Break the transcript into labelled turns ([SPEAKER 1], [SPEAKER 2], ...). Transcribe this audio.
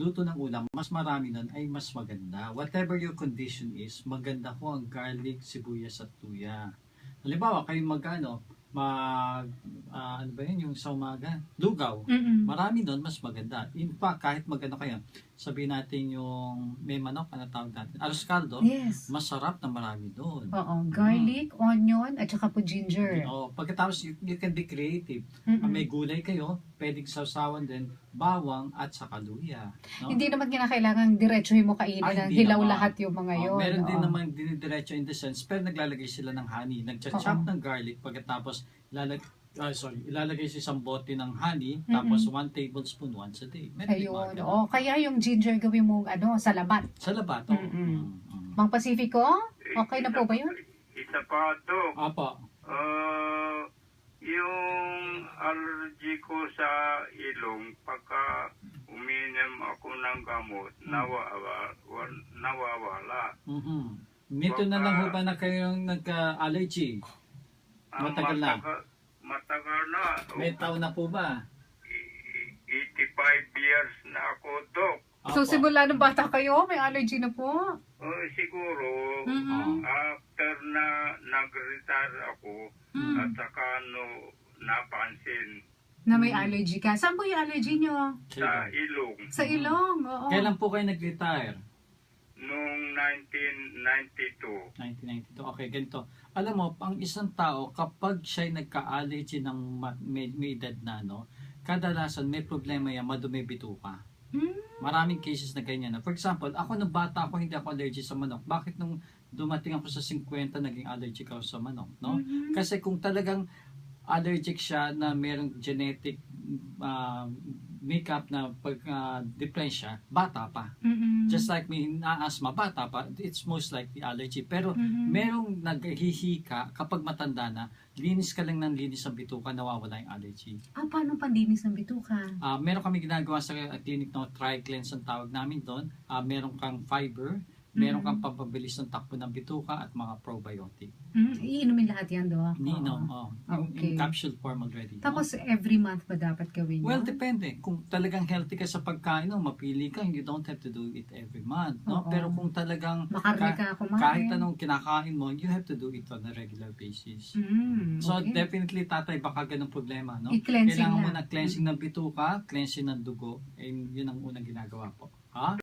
[SPEAKER 1] magluto ng ulam, mas marami nun ay mas maganda. Whatever your condition is, maganda ko ang garlic, sibuyas at tuya. Halimbawa, kayo ano ba yun, yung sa umaga, lugaw. Marami nun, mas maganda. In fact, kahit maganda kayo, sabihin natin yung may manok, ano tawag natin, arroz caldo,
[SPEAKER 2] Yes.
[SPEAKER 1] masarap na marami doon.
[SPEAKER 2] Oo, garlic, onion, at saka po ginger.
[SPEAKER 1] Pagkatapos, you can be creative. May gulay kayo, pwedeng sausawan din, bawang at saka luya. No?
[SPEAKER 2] Hindi naman kinakailangan diretsuhin mo kainin ng hilaw
[SPEAKER 1] naman.
[SPEAKER 2] lahat yung mga yun.
[SPEAKER 1] Meron din naman dinidiretso in the sense, pero naglalagay sila ng honey. Nagcha-chop ng garlic, pagkatapos ilalagay sa isang bote ng honey, tapos 1 tablespoon once a day.
[SPEAKER 2] Ayun. Kaya yung ginger gawin mo sa labat.
[SPEAKER 1] Sa labat,
[SPEAKER 2] Mang Pacifico, okay na po ba yun?
[SPEAKER 3] Isa pa ito.
[SPEAKER 1] Apo.
[SPEAKER 3] Yung allergy ko sa ilong, pagka uminom ako ng gamot, nawawala.
[SPEAKER 1] Nito na lang ho ba na kayong nagka-allergy? Matagal na?
[SPEAKER 3] Matagal na.
[SPEAKER 1] May taon na po ba?
[SPEAKER 3] 85 years na ako, Dok.
[SPEAKER 2] So, simula nung bata kayo, may allergy na po?
[SPEAKER 3] Siguro, after na nag-retire ako, at saka napansin
[SPEAKER 2] Na may allergy ka. Saan po yung allergy nyo?
[SPEAKER 3] sa ilong
[SPEAKER 2] Sa ilong, oo.
[SPEAKER 1] Kailan po kayo nag-retire?
[SPEAKER 3] noong 1992.
[SPEAKER 1] 1992. Okay, ganito. Alam mo, ang isang tao, kapag siya'y nagka-allergy ng may edad na, kadalasan may problema yan, madumi bituka. Maraming cases na ganyan. For example, ako nung bata ako, hindi ako allergic sa manok. Bakit nung dumating ako sa 50, naging allergic ako sa manok? No? Kasi kung talagang allergic siya na merong genetic makeup na pag-depresya, bata pa. Just like may na-asthma, bata pa, it's most likely allergy. Pero merong naghihika kapag matanda na, linis ka lang ng linis ng bituka, nawawala yung allergy.
[SPEAKER 2] Paano pandinis ng bituka?
[SPEAKER 1] Meron kami ginagawa sa clinic na Tri-Cleanse ang tawag namin doon. Meron kang fiber, meron kang pampabilis ng takbo ng bituka at mga probiotic.
[SPEAKER 2] Iinumin lahat yan, Dok?
[SPEAKER 1] In capsule form already.
[SPEAKER 2] Tapos every month ba dapat gawin yun?
[SPEAKER 1] Well, depende. Kung talagang healthy ka sa pagkain, mapili ka, you don't have to do it every month. No? Pero kung talagang
[SPEAKER 2] makarne ka kumain,
[SPEAKER 1] kahit anong kinakain mo, you have to do it on a regular basis. So definitely, tatay, baka ganun problema. No?
[SPEAKER 2] I-cleansing
[SPEAKER 1] Kailangan mo na cleansing ng bituka, cleansing ng dugo, and yun ang unang ginagawa po.